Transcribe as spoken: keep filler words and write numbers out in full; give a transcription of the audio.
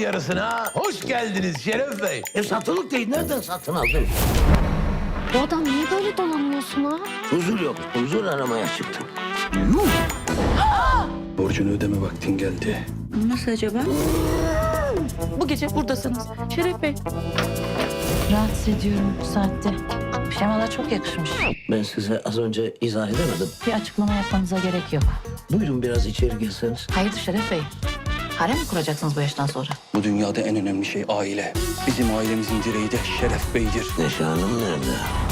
yarısına hoş geldiniz Şeref Bey. E satılık değil, nereden satın aldın? Bu adam niye böyle dolanıyorsun ha? Huzur yok, huzur aramaya çıktım. Borcunu ödeme vaktin geldi. Nasıl acaba? Bu gece buradasınız. Şeref Bey. Rahatsız ediyorum bu saatte. Pijamalar çok yakışmış. Ben size az önce izah edemedim. Bir açıklama yapmanıza gerek yok. Buyurun biraz içeri girseniz. Hayırdır Şeref Bey? Harem mi kuracaksınız bu yaştan sonra? Bu dünyada en önemli şey aile. Bizim ailemizin direği de Şeref Bey'dir. Neşe Hanım nerede?